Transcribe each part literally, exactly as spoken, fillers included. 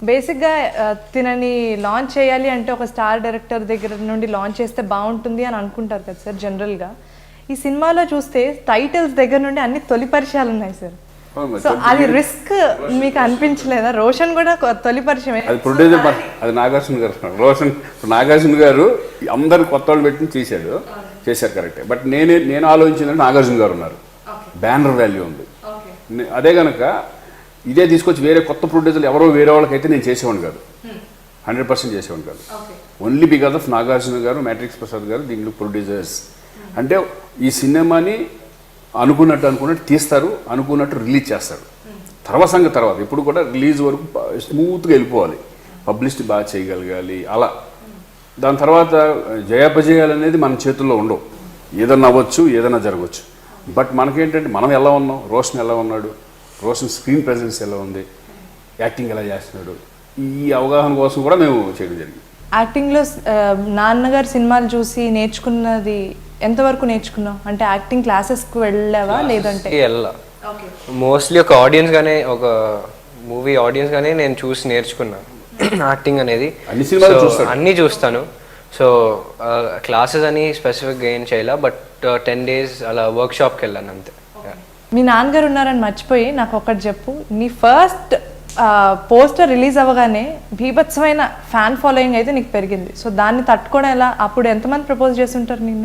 బేసిక్గా తినని లాంచ్ చేయాలి అంటే ఒక స్టార్ డైరెక్టర్ దగ్గర నుండి లాంచ్ చేస్తే బాగుంటుంది అని అనుకుంటారు కదా సార్ జనరల్గా. ఈ సినిమాలో చూస్తే టైటిల్స్ దగ్గర నుండి అన్ని తొలి పరిచయాలు ఉన్నాయి సార్. సో అది రిస్క్ మీకు అనిపించలేదా? రోషన్ కూడా తొలి పరిచయమే. అది ప్రొడ్యూసర్, అది నాగార్జున గారు. రోషన్ నాగార్జున గారు అందరు కొత్త వాళ్ళు పెట్టి చేశాడు, చేశారు కరెక్టే. బట్ నేనే నేను ఆలోచించిందంటే నాగార్జున గారు ఉన్నారు, బ్యానర్ వాల్యూ ఉంది. అదే కనుక ఇదే తీసుకొచ్చి వేరే కొత్త ప్రొడ్యూసర్లు ఎవరో వేరే వాళ్ళకైతే నేను చేసేవాడిని కాదు, హండ్రెడ్ పర్సెంట్ చేసేవాడిని కాదు. ఓన్లీ బికాస్ ఆఫ్ నాగార్జున గారు, మ్యాట్రిక్స్ ప్రసాద్ గారు దీంట్లో ప్రొడ్యూసర్స్. అంటే ఈ సినిమాని అనుకున్నట్టు అనుకున్నట్టు తీస్తారు, అనుకున్నట్టు రిలీజ్ చేస్తారు. తర్వాత సంగతి తర్వాత. ఇప్పుడు కూడా రిలీజ్ వరకు స్మూత్గా వెళ్ళిపోవాలి, పబ్లిసిటీ బాగా చేయగలగాలి. అలా దాని తర్వాత జయాపజయాలు అనేది మన చేతుల్లో ఉండవు. ఏదన్నా అవ్వచ్చు, ఏదైనా జరగవచ్చు. బట్ మనకేంటంటే మనం ఎలా ఉన్నాం, రోషన్ ఎలా ఉన్నాడు, రోషన్ స్క్రీన్ ప్రెజెన్స్ ఎలా ఉంది, యాక్టింగ్ ఎలా చేస్తున్నాడు, ఈ అవగాహన కోసం కూడా మేము చేయడం జరిగింది. యాక్టింగ్లో నాన్నగారు సినిమాలు చూసి నేర్చుకున్నది ఎంతవరకు నేర్చుకున్నావు? అంటే యాక్టింగ్ క్లాసెస్కి వెళ్ళావా లేదంటే? వెళ్ళా. మోస్ట్లీ ఒక ఆడియన్స్ గానే, ఒక మూవీ ఆడియన్స్ గానే నేను చూసి నేర్చుకున్నాను యాక్టింగ్ అనేది. అన్నీ చూస్తాను. సో క్లాసెస్ అని స్పెసిఫిక్గా ఏం చేయాల, బట్ టెన్ డేస్ అలా వర్క్ షాప్కి వెళ్ళాను అంతే. మీ నాన్నగారు ఉన్నారని మర్చిపోయి నాకు ఒకటి చెప్పు. నీ ఫస్ట్ పోస్టర్ రిలీజ్ అవ్వగానే బీభత్సమైన ఫ్యాన్ ఫాలోయింగ్ అయితే నీకు పెరిగింది. సో దాన్ని తట్టుకోవడం ఎలా? అప్పుడు ఎంతమంది ప్రపోజ్ చేస్తుంటారు నిన్ను?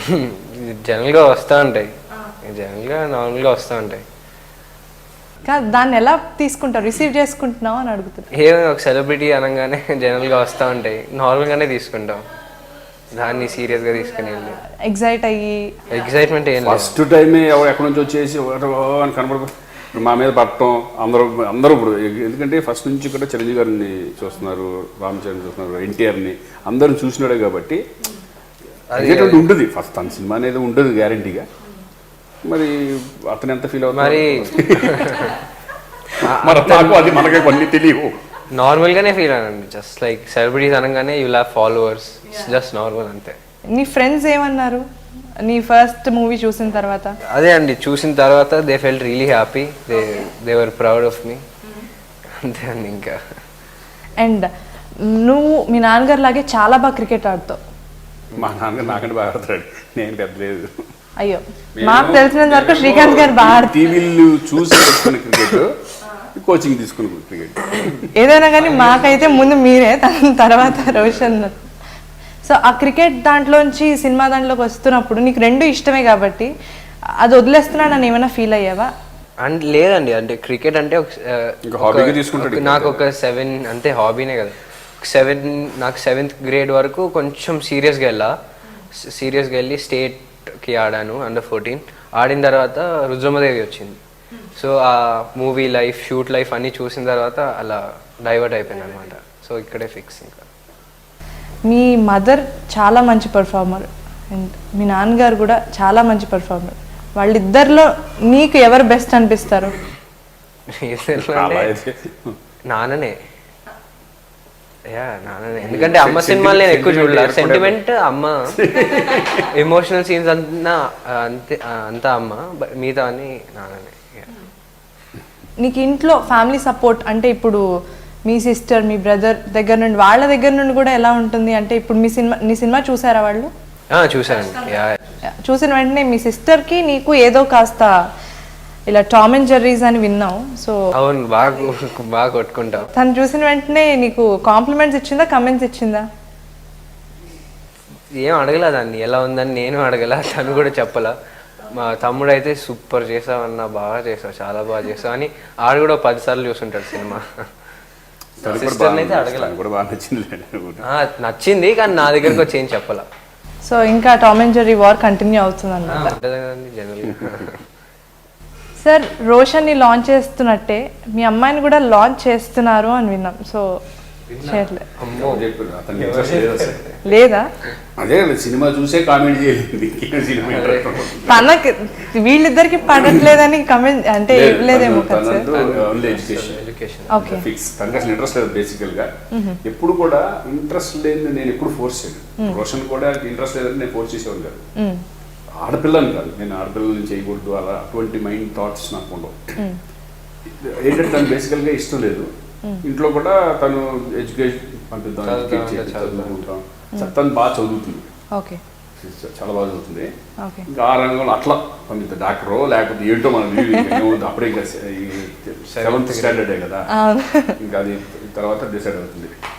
జనరల్గా వస్తూ ఉంటాయి, జనరల్గా నార్మల్గా వస్తూ ఉంటాయి. కాదు, దాన్ని ఎలా తీసుకుంటారు, రిసీవ్ చేసుకుంటున్నావు అని అడుగుతున్నా. ఏ ఒక సెలబ్రిటీ అనగానే జనరల్గా వస్తూ ఉంటాయి, నార్మల్గానే తీసుకుంటాం, దాన్ని సీరియస్గా తీసుకుని వెళ్ళి ఎగ్జైట్ అయ్యి. ఎగ్జైట్మెంట్ ఏం లేదు. ఫస్ట్ టైమే ఎవరు ఎక్కడి నుంచి వచ్చేసి అని కనబడ మా మీద పట్టడం అందరూ అందరూ ఇప్పుడు. ఎందుకంటే ఫస్ట్ నుంచి కూడా చిరంజీవి గారిని చూస్తున్నారు, రామ్ చరణ్ చూస్తున్నారు, ఎన్టీఆర్ని అందరూ చూసినాడే కాబట్టి అది ఉంటుంది. ఫస్ట్ తన సినిమా అనేది ఉంటుంది గ్యారంటీగా. మరి అతను ఎంత ఫీల్ అవుతుంది మరి నాకు అది మనకే కొన్ని తెలియవు. నార్మల్గానే ఫీల్ అయ్యానండి. జస్ట్ లైక్ సెలబ్రిటీస్ అనగానే you have followers, just normal అంతే. నీ ఫ్రెండ్స్ ఏమన్నారు నీ ఫస్ట్ మూవీ చూసిన తర్వాత? అదే అండి, చూసిన తర్వాత they felt really happy, they they were proud of me, అంతే అండి. ఇంకా అండ్ నువ్వు మీ నాన్నగారు లాగే చాలా బాగా క్రికెట్ ఆడుతావు. మా నాన్నగారు నాకంటే బాగా ఆడతాడు, నేను పెద్ద లేదు. అయ్యో, మాకు తెలిసినంత వరకు శ్రీకాంత్ గారు బాగా ఆడతారు. టీవీలు చూసి నేర్చుకున్న క్రికెట్, కోచింగ్ తీసుకున్న క్రికెట్ ఏదైనా కానీ మాకైతే ముందు మీరే, తర్వాత రోషన్. సో ఆ క్రికెట్ దాంట్లోంచి సినిమా దాంట్లోకి వస్తున్నప్పుడు నీకు రెండు ఇష్టమే కాబట్టి అది వదిలేస్తున్నానని ఏమైనా ఫీల్ అయ్యావా? అంటే లేదండి, అంటే క్రికెట్ అంటే నాకు ఒక సెవెన్ అంతే హాబీనే కదా. సెవెన్ నాకు సెవెంత్ గ్రేడ్ వరకు కొంచెం సీరియస్గా వెళ్ళా సీరియస్గా వెళ్ళి స్టేట్కి ఆడాను అండర్ ఫోర్టీన్. ఆడిన తర్వాత రుద్రమదేవి వచ్చింది. సో ఆ మూవీ లైఫ్, షూట్ లైఫ్ అన్నీ చూసిన తర్వాత అలా డైవర్ట్ అయిపోయింది అనమాట. సో ఇక్కడే ఫిక్స్. ఇంకా మీ మదర్ చాలా మంచి పర్ఫార్మర్ అండ్ మీ నాన్నగారు కూడా చాలా మంచి పర్ఫార్మర్. వాళ్ళిద్దరిలో నీకు ఎవరు బెస్ట్ అనిపిస్తారు? నాన్ననే. యా నాన్ననే, ఎందుకంటే అమ్మ సినిమాలు నేను ఎక్కువ చూడలేదు. సెంటిమెంట్ అమ్మ, ఎమోషనల్ సీన్స్ అంతా అంతే అంతా అమ్మ, మిగతా అని నాన్ననే. నీకు ఇంట్లో ఫ్యామిలీ సపోర్ట్ అంటే ఇప్పుడు మీ సిస్టర్, మీ బ్రదర్ దగ్గర నుండి, వాళ్ళ దగ్గర నుండి కూడా ఎలా ఉంటుంది? అంటే ఇప్పుడు మీ సినిమా నీ సినిమా చూసారా వాళ్ళు? చూసారండి. చూసిన వెంటనే మీ సిస్టర్కి నీకు ఏదో కాస్త ఇలా టామ్ అండ్ జెర్రీస్ అని విన్నావు. సో అవును, బాగా బాగా కొట్టుకుంటాం. తను చూసిన వెంటనే నీకు కాంప్లిమెంట్స్ ఇచ్చిందా, కమెంట్స్ ఇచ్చిందా? ఏం అడగలా దాన్ని, ఎలా ఉందని నేను అడగల, తను కూడా చెప్పలా. మా తమ్ముడు అయితే సూపర్ చేసావు అన్న, బాగా చేసావు, చాలా బాగా చేసావు అని ఆడు కూడా పది సార్లు చూసుంటాడు సినిమా. సిస్టర్ని అయితే అడగల. నచ్చింది కానీ నా దగ్గరకు వచ్చి ఏం చెప్పాల. సో ఇంకా Tom and Jerry war continue అవుతుంది అన్నమాట. సార్, రోషన్ని లాంచ్ చేస్తున్నట్టే మీ అమ్మాయిని కూడా లాంచ్ చేస్తున్నారు అని విన్నాం. సో లేదా అదే సినిమా చూసే కామెంట్ చేయలేదు. తనకి వీళ్ళిద్దరికి పడట్లేదని కమెంట్ అంటే ఇవ్వలేదేమో కదా సార్? ఇంట్రెస్ట్ లేదు బేసికల్ గా. ఎప్పుడు కూడా ఇంట్రెస్ట్ లేని నేను ఎప్పుడు ఫోర్స్ చేయను. రోషన్ కూడా ఇంట్రెస్ట్ లేదని నేను ఫోర్స్ చేసేవాడు కాదు. ఆడపిల్లని కాదు, నేను ఆడపిల్లల్ని చేయకూడదు అలా అటువంటి మైండ్ థాట్స్ నాకు ఉండవు. ఏంటంటే తను బేసికల్గా ఇష్టం లేదు, ఇంట్లో కూడా తను ఎడ్యుకేషన్ పంపిద్దాం ఎడ్యుకేట్ చేసి చదువుకుంటాం తను బాగా చదువుతుంది, ఓకే చాలా బాగా చదువుతుంది. ఓకే ఇంకా ఆ రంగంలో అట్లా పంపిద్దాం, డాక్టరో లేకపోతే ఏంటో మనం అప్పుడే ఇంకా సెవెంత్ స్టాండర్డే కదా, ఇంకా అది తర్వాత డిసైడ్ అవుతుంది.